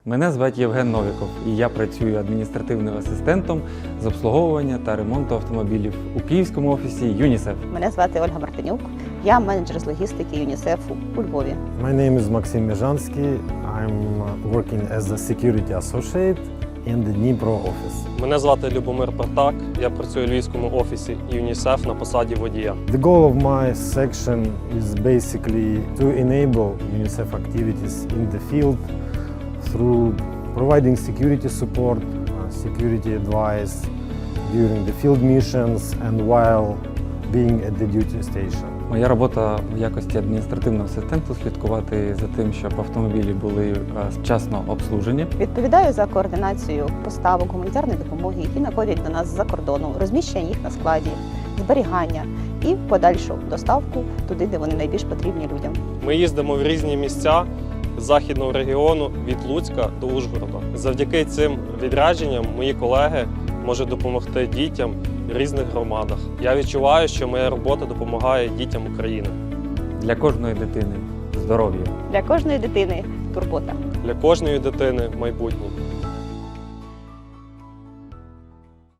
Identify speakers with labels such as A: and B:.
A: Мене звати Євген Новіков, і я працюю адміністративним асистентом з обслуговування та ремонту автомобілів у київському офісі ЮНІСЕФ.
B: Мене звати Ольга Мартинюк. Я менеджер з логістики ЮНІСЕФу у Львові.
C: My name is Maxim Mezhansky. I'm working as a security associate in the Dnipro office.
D: Мене звати Любомир Партак, я працюю у Львівському офісі ЮНІСЕФ на посаді водія.
C: The goal of my section is basically to enable UNICEF activities in the field through providing security support, security advice during the field missions and while being at the duty station.
A: Моя робота в якості адміністративного асистенту слідкувати за тим, щоб автомобілі були вчасно обслужені.
B: Відповідаю за координацію поставок гуманітарної допомоги, які надходять до нас з-за кордону, розміщення їх на складі, зберігання і подальшу доставку туди, де вони найбільш потрібні людям.
D: Ми їздимо в різні місця західного регіону від Луцька до Ужгорода. Завдяки цим відрядженням мої колеги можуть допомогти дітям в різних громадах. Я відчуваю, що моя робота допомагає дітям України.
A: Для кожної дитини здоров'я.
B: Для кожної дитини турбота.
D: Для кожної дитини майбутнє.